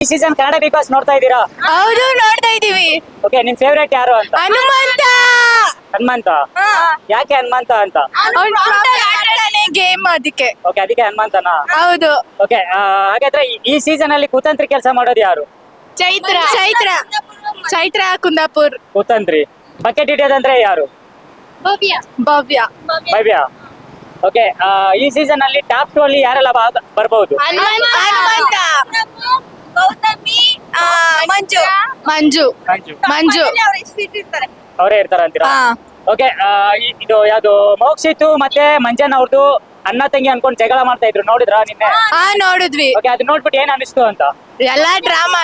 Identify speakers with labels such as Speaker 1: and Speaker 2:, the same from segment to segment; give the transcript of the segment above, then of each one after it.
Speaker 1: ಈ season Kannada big boss ನೋಡ್ತಾ ಇದ್ದೀರಾ?
Speaker 2: ಹೌದು, ನೋಡ್ತಾ ಇದೀವಿ.
Speaker 1: ಓಕೆ, ನಿಮ್ ಫೇವರೇಟ್ ಯಾರು ಅಂತ?
Speaker 2: ಹನುಮಂತ.
Speaker 1: ಹನುಮಂತ. ಯಾಕೆ ಹನುಮಂತ ಅಂತ?
Speaker 2: ಗೇಮ್ ಅದಕ್ಕೆ.
Speaker 1: ಓಕೆ, ಅದಕ್ಕೆ ಹನುಮಂತನಾ?
Speaker 2: ಹೌದು.
Speaker 1: ಓಕೆ, ಹಾಗಾದ್ರೆ ಈ ಸೀಸನ್ ಅಲ್ಲಿ ಕುತಂತ್ರಿ ಕೆಲಸ ಮಾಡೋದು ಯಾರು?
Speaker 2: ಚೈತ್ರ ಚೈತ್ರ ಚೈತ್ರ ಕುಂದಾಪುರ್.
Speaker 1: ಕುತಂತ್ರಿ. ಬಕೆಟ್ ಹಿಡಿಯೋದಂದ್ರೆ ಯಾರು?
Speaker 2: ಭವ್ಯ ಭವ್ಯ
Speaker 1: ಭವ್ಯ. ಓಕೆ, ಈ ಸೀಸನ್ ಅಲ್ಲಿ ಟಾಪ್ 2 ಅಲ್ಲಿ ಯಾರೆಲ್ಲ ಬರ್ಬಹುದು?
Speaker 2: ಹನುಮಂತ, ಮಂಜು ಮಂಜು
Speaker 1: ಮಂಜು.
Speaker 2: ಮಂಜು
Speaker 1: ಅವರೇ ಇರ್ತಾರ ಅಂತೀರಾ? ಓಕೆ, ಇದು ಯಾವ್ದು ಮೋಕ್ಷಿತು ಮತ್ತೆ ಮಂಜನ್ ಅವ್ರದ್ದು ಅಣ್ಣ ತಂಗಿ ಅನ್ಕೊಂಡ್ ಜಗಳ ಮಾಡ್ತಾ ಇದ್ರು, ನೋಡಿದ್ರಾ ನಿನ್ನೆ?
Speaker 2: ನೋಡಿದ್ವಿ.
Speaker 1: ಓಕೆ, ಅದು ನೋಡ್ಬಿಟ್ಟು ಏನ್ ಅನಿಸ್ತು ಅಂತ?
Speaker 2: ಎಲ್ಲಾ ಡ್ರಾಮಾ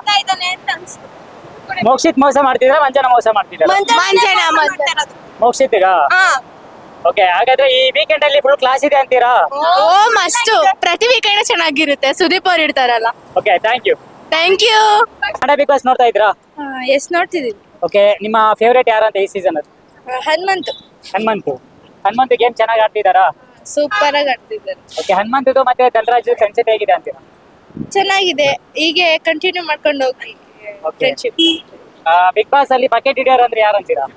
Speaker 1: ಮೋಕ್ಷಿತ್ ಮೋಸ ಮಾಡ್ತಿದ್ರ, ಮಂಜನ ಮೋಸ ಮಾಡ್ತಿದ್ರ?
Speaker 2: ಮಂಜನ
Speaker 1: ಮೋಕ್ಷಿತ್ಗ. ಓಕೆ, ಹಾಗಾದ್ರೆ ಈ ವೀಕೆಂಡ್ ಅಲ್ಲಿ ಫುಲ್ ಕ್ಲಾಸ್ ಇದೆ ಅಂತೀರಾ?
Speaker 2: ಓ ಮಸ್ತು, ಪ್ರತಿ ವೀಕೆಂಡ್ ಚೆನ್ನಾಗಿರುತ್ತೆ. ಸುದೀಪ್ ಅವ್ರು ಇರ್ತಾರಲ್ಲ.
Speaker 1: Okay, thank you.
Speaker 2: Thank you.
Speaker 1: Kannada big boss ನೋಡ್ತಾ ಇದ್ರಾ?
Speaker 2: ಎಸ್, ನೋಡ್ತಿದೀವಿ.
Speaker 1: ಓಕೆ, ನಿಮ್ಮ ಫೇವರೇಟ್ ಯಾರು ಅಂತ ಈ ಸೀಸನ್ ಅಲ್ಲಿ?
Speaker 2: ಹನುಮಂತು.
Speaker 1: ಹನುಮಂತ್ ಗೇಮ್ ಚೆನ್ನಾಗಿ ಆಡ್ತಿದಾರಾ?
Speaker 2: ಸೂಪರ್ ಆಗಿ ಆಡ್ತಿದ್ದಾರೆ.
Speaker 1: ಓಕೆ, ಹನುಮಂತದ್ದು ಮತ್ತೆ ಧನರಾಜ್ ಫ್ರೆಂಡ್ಶಿಪ್ ಹೇಗಿದೆ ಅಂತೀರಾ?
Speaker 2: ಚೆನ್ನಾಗಿದೆ, ಹೀಗೆ ಕಂಟಿನ್ಯೂ ಮಾಡ್ಕೊಂಡು ಹೋಗಿ ಫ್ರೆಂಡ್ಶಿಪ್.
Speaker 1: ಬಿಗ್ ಬಾಸ್ ಅಲ್ಲಿ ಬಕೆಟ್ ಹಿಡಿಯೋರು ಅಂದ್ರೆ ಯಾರು ಅಂತೀರಾ?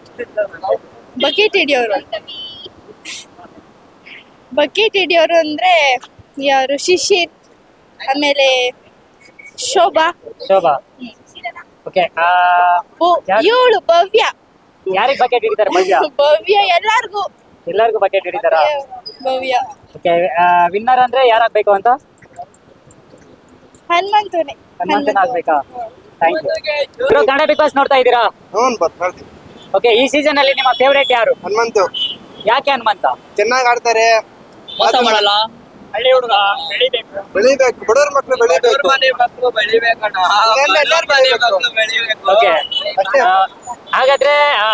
Speaker 2: ಬಕೆಟ್ ಹಿಡಿಯೋರು ಅಂದ್ರೆ ಯಾರು? ಶಿಶಿರ್, ಆಮೇಲೆ ಶೋಭಾ.
Speaker 1: ಓಕೆ,
Speaker 2: ಇವಳು ಭವ್ಯ.
Speaker 1: ಯಾರಿಗೆ ಬಕೆಟ್ ಹಿಡಿತಾರೆ?
Speaker 2: ಭವ್ಯ
Speaker 1: ಎಲ್ಲರಿಗೂ ಬಕೆಟ್ ಹಿಡಿತಾರಾ?
Speaker 2: ಭವ್ಯ.
Speaker 1: ಓಕೆ, ವಿನ್ನರ್ ಅಂದ್ರೆ ಯಾರಾಗ್ಬೇಕು ಅಂತ? ಹನುಮಂತನ ಆಗ್ಬೇಕಾ? Thank you. Kannada big boss ನೋಡ್ತಾ ಇದ್ದೀರಾ? ಓಕೆ, ಈ ಸೀಸನ್ ಅಲ್ಲಿ ನಿಮ್ಮ ಫೇವರೇಟ್ ಯಾರು?
Speaker 3: ಹನುಮಂತು.
Speaker 1: ಯಾಕೆ ಹನುಮಂತ?
Speaker 3: ಚೆನ್ನಾಗಿ ಆಡ್ತಾರೆ,
Speaker 4: ಮೋಸ ಮಾಡಲ್ಲ.
Speaker 1: ಹಳ್ಳಿ ಹುಡುಗ
Speaker 3: ಬೆಳಿಬೇಕು, ಬಡವ್ರ ಮಕ್ಳು ಬೆಳಿಬೇಕು.
Speaker 1: ಓಕೆ, ಹಾಗಾದ್ರೆ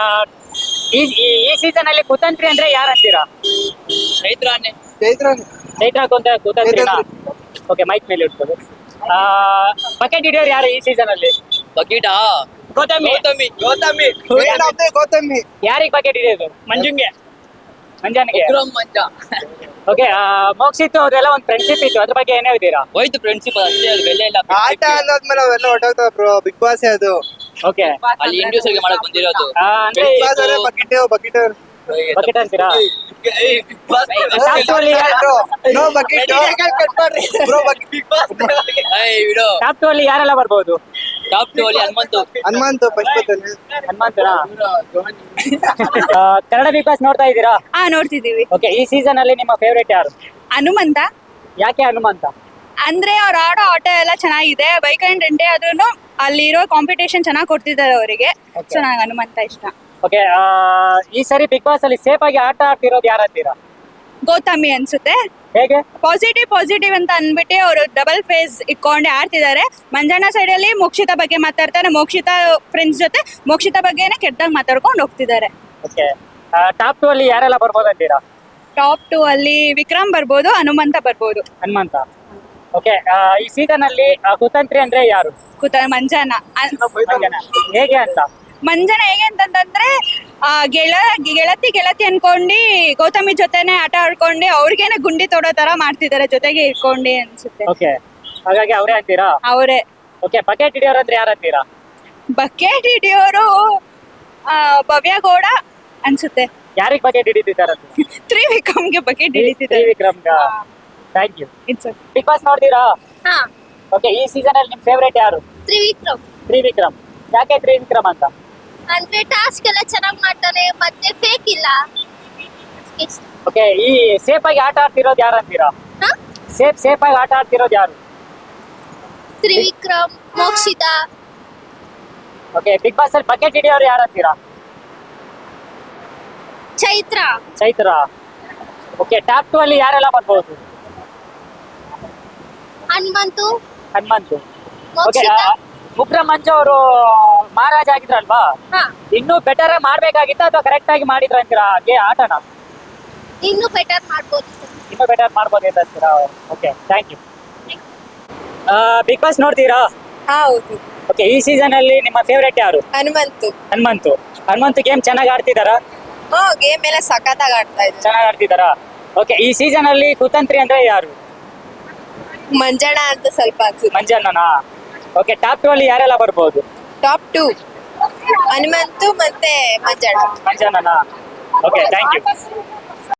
Speaker 1: ಈ ಸೀಸನ್ ಅಲ್ಲಿ ಕುತಂತ್ರಿ ಅಂದ್ರೆ ಯಾರು ಅಂತೀರಾ?
Speaker 4: ಚೈತ್ರಾನೆ.
Speaker 1: ಚೈತ್ರ ಕುತಂತ್ರಿನಾ? ಓಕೆ, ಮೈಕ್ ಮೇಲೆ ಇಟ್ಬೋದು. ಬಕೆಟ್ ಹಿಡಿಯೋರು ಯಾರು ಈ ಸೀಸನ್ ಅಲ್ಲಿ?
Speaker 4: ಬಕೀಟಾ?
Speaker 1: ಗೌತಮಿ.
Speaker 3: ಗೌತಮಿ.
Speaker 1: ಯಾರಿಗೆ ಬಕೆಟ್ ಹಿಡಿಯೋದು? ಮಂಜನ್ಗೆ.
Speaker 4: ವಿಕ್ರಮ್ ಮಂಜ.
Speaker 1: ಓಕೆ, ಮೋಕ್ಷಿತ್ತು ಅವ್ರೆಲ್ಲ ಒಂದು ಫ್ರೆಂಡ್ಶಿಪ್ ಇತ್ತು, ಅದ್ರ ಬಗ್ಗೆ ಏನ್ ಹೇಳ್ತೀರಾ?
Speaker 4: ಹೋಯ್ತು ಫ್ರೆಂಡ್ಶಿಪ್, ಅಷ್ಟೇ, ಅದು ಬೆಲೆ ಇಲ್ಲ.
Speaker 3: ಆಟ ಅನ್ನೋದ್ಮೇಲೆ ಅವೆಲ್ಲ ಹೊಟ್ಟೋಗ್ತಾವ ಬ್ರೋ. ಬಿಗ್ ಬಾಸ್ ಅದು.
Speaker 1: ಓಕೆ,
Speaker 4: ಅಲ್ಲಿ ಇಂಡಿವಿಜುವಲ್ ಮಾಡಕ್ ಬಂದಿರೋದು.
Speaker 1: ಅಂದ್ರೆ
Speaker 3: ಬಿಗ್ ಬಾಸ್ ಅವರೇ ಬಕೆಟ್
Speaker 1: ಬಕೆಟ್ ಅಂತೀರಾ?
Speaker 3: No bucket bro.
Speaker 4: ವಿಡೋ
Speaker 1: ಟಾಪ್ 2 ಅಲ್ಲಿ ಯಾರೆಲ್ಲ ಬರ್ಬೋದು?
Speaker 4: ಟಾಪ್ 2 ಅಲ್ಲಿ
Speaker 3: ಹನುಮಂತು ಪಶ್ಪತನೆ.
Speaker 1: ಹನುಮಂತನಾ? ಕನ್ನಡ ಬಿಗ್ ಬಾಸ್ ನೋಡ್ತಾ ಇದ್ದೀರಾ?
Speaker 2: ನೋಡ್ತಿದೀವಿ.
Speaker 1: ಓಕೆ, ಈ ಸೀಸನ್ ಅಲ್ಲಿ ನಿಮ್ಮ ಫೇವರೇಟ್ ಯಾರು?
Speaker 2: ಹನುಮಂತ.
Speaker 1: ಯಾಕೆ ಹನುಮಂತ?
Speaker 2: ಅಂದ್ರೆ ಅವ್ರು ಆಡೋ ಆಟ ಎಲ್ಲ ಚೆನ್ನಾಗಿದೆ. ವೀಕೆಂಡ್ ಎಂಡೇ ಆದ್ರೂ ಅಲ್ಲಿರೋ ಕಾಂಪಿಟೇಷನ್ ಚೆನ್ನಾಗಿ ಕೊಡ್ತಿದ್ದಾರೆ ಅವರಿಗೆ. ಸೊ ನಂಗೆ ಹನುಮಂತ ಇಷ್ಟ.
Speaker 1: ಓಕೆ, ಈ ಸರಿ ಬಿಗ್ ಬಾಸ್ ಅಲ್ಲಿ ಸೇಫ್ ಆಗಿ ಆಟ ಆಡ್ತಿರೋದು ಯಾರು ಅಂತೀರಾ?
Speaker 2: ಗೌತಮಿ ಅನ್ಸುತ್ತೆ.
Speaker 1: ಹೇಗೆ?
Speaker 2: ಪಾಸಿಟಿವ್ ಅಂತ ಅಂದ್ಬಿಟ್ಟು ಅವರು ಡಬಲ್ ಫೇಸ್ ಇಟ್ಕೊಂಡೆ ಆಡ್ತಿದ್ದಾರೆ. ಮಂಜಣ್ಣ ಸೈಡ್ ಅಲ್ಲಿ ಮೋಕ್ಷಿತಾ ಬಗ್ಗೆ ಮಾತಾಡ್ತಾರೆ. ಮೋಕ್ಷಿತಾ ಫ್ರೆಂಡ್ಸ್ ಜೊತೆ ಮೋಕ್ಷಿತಾ ಬಗ್ಗೆನೇ ಕೆಟ್ಟದಾಗ ಮಾತಾಡ್ಕೊಂಡು ಹೋಗ್ತಿದ್ದಾರೆ.
Speaker 1: ಓಕೆ, ಟಾಪ್ 2 ಅಲ್ಲಿ ಯಾರೆಲ್ಲ ಬರ್ಬೋದು ಅಂತೀರಾ?
Speaker 2: ಟಾಪ್ 2 ಅಲ್ಲಿ ವಿಕ್ರಮ್ ಬರ್ಬೋದು, ಹನುಮಂತ ಬರ್ಬೋದು.
Speaker 1: ಹನುಮಂತ. ಓಕೆ, ಈ ಸೀಸನ್ ಅಲ್ಲಿ ಕುತಂತ್ರಿ ಅಂದ್ರೆ ಯಾರು?
Speaker 2: ಮಂಜಣ್ಣ.
Speaker 1: ಹೇಗೆ ಅಂತ?
Speaker 2: ಮಂಜನ ಹೇಗೆ ಅಂತಂದ್ರೆ ಗೆಳತಿ ಅನ್ಕೊಂಡು ಗೌತಮಿ ಜೊತೆನೆ ಆಟ ಆಡ್ಕೊಂಡು ಅವ್ರಿಗೇನೆ ಗುಂಡಿ ತೊಡೋ ತರ ಮಾಡ್ತಿದ್ದಾರೆ, ಜೊತೆಗೆ ಇಟ್ಕೊಂಡು ಅನ್ಸುತ್ತೆ.
Speaker 1: ಓಕೆ, ಹಾಗಾಗಿ ಅವರೇ ಅಂತೀರಾ?
Speaker 2: ಅವರೇ.
Speaker 1: ಓಕೆ, ಬಕೆಟ್ ಹಿಡಿಯೋರು ಅಂದ್ರೆ ಯಾರು ಅಂತೀರಾ?
Speaker 2: ಬಕೆಟ್ ಹಿಡಿಯೋರು ಭವ್ಯ ಗೌಡ ಅನ್ಸುತ್ತೆ.
Speaker 1: ಯಾರಿಗೆ ಬಕೆಟ್ ಹಿಡಿತಿದ್ದಾರೆ?
Speaker 2: ತ್ರಿವಿಕ್ರಮ್ಗೆ ಬಕೆಟ್ ಹಿಡಿತಿದ್ದಾರೆ.
Speaker 1: Trivikram. Thank you.
Speaker 2: It's
Speaker 1: big boss ನೋಡ್ತೀರಾ? ಓಕೆ, ಈ ಸೀಸನ್ ಅಲ್ಲಿ ನಿಮ್ ಫೇವರೇಟ್ ಯಾರು? ತ್ರಿವಿಕ್ರಮ್. ಯಾಕೆ ತ್ರಿವಿಕ್ರಮ್ ಅಂತ?
Speaker 5: ಅಂದ್ರೆ ಟಾಸ್ಕ್ ಎಲ್ಲ ಚೆನ್ನಾಗಿ ಮಾಡ್ತಾನೆ, ಮತ್ತೆ ಫೇಕ್ ಇಲ್ಲ.
Speaker 1: ಓಕೆ, ಈ ಸೇಫ್ ಆಗಿ ಆಟ ಆಡ್ತಿರೋದು ಯಾರು ಅಂತೀರಾ? ಸೇಫ್ ಆಗಿ ಆಟ ಆಡ್ತಿರೋದು ಯಾರು?
Speaker 5: Trivikram, Mokshitha.
Speaker 1: Okay, big boss ಅಲ್ಲಿ ಬಕೆಟ್ ಹಿಡಿಯೋರು ಯಾರು ಅಂತೀರಾ? ಚೈತ್ರ. ಓಕೆ, ಟಾಪ್ 2 ಅಲ್ಲಿ ಯಾರೆಲ್ಲ ಬರ್ಬೋದು?
Speaker 5: ಹನುಮಂತು.
Speaker 1: ಓಕೆ, ವಿಕ್ರಮ್ ಮಂಜು ಅವರು ಮಹಾರಾಜ ಆಗಿದ್ರಲ್ವಾ? ಇನ್ನೂ ಬೆಟರ್ ಮಾಡ್ಬೇಕಾಗಿತ್ತ ಅಥವಾ ಕರೆಕ್ಟ್ ಆಗಿ ಮಾಡಿದ್ರ ಅಂತೀರಾ ಆಟನ?
Speaker 5: ಇನ್ನೂ ಬೆಟರ್ ಮಾಡ್ಬೋದು.
Speaker 1: ಇನ್ನೂ ಬೆಟರ್ ಮಾಡ್ಬೋದಿತ್ತು ಅಂತೀರಾ? Okay, thank you. Big boss ನೋಡ್ತೀರಾ?
Speaker 2: ಹೌದು.
Speaker 1: ಓಕೆ, ಈ ಸೀಸನ್ ಅಲ್ಲಿ ನಿಮ್ಮ ಫೇವರೇಟ್ ಯಾರು?
Speaker 2: ಹನುಮಂತು
Speaker 1: ಗೇಮ್ ಚೆನ್ನಾಗಿ ಆಡ್ತಿದಾರಾ?
Speaker 2: ಗೇಮ್ ಎಲ್ಲ ಸಖತ್ತಾಗಿ ಆಡ್ತಾ ಇದ್ದಾರೆ.
Speaker 1: ಚೆನ್ನಾಗಿ ಆಡ್ತಿದಾರಾ? ಓಕೆ, ಈ ಸೀಸನ್ ಅಲ್ಲಿ ಕುತಂತ್ರಿ ಅಂದ್ರೆ ಯಾರು?
Speaker 2: ಮಂಜಣ್ಣ ಅಂತ ಸ್ವಲ್ಪ ಅನ್ಸುತ್ತೆ.
Speaker 1: ಮಂಜಣ್ಣನಾ? ಓಕೆ ಟಾಪ್ 2 ಅಲ್ಲಿ ಯಾರೆಲ್ಲ ಬರ್ಬೋದು?
Speaker 2: ಟಾಪ್ 2 ಹನುಮಂತು ಮತ್ತೆ ಮಂಜಣ್ಣ.
Speaker 1: ಮಂಜಾನನಾ? Okay thank you.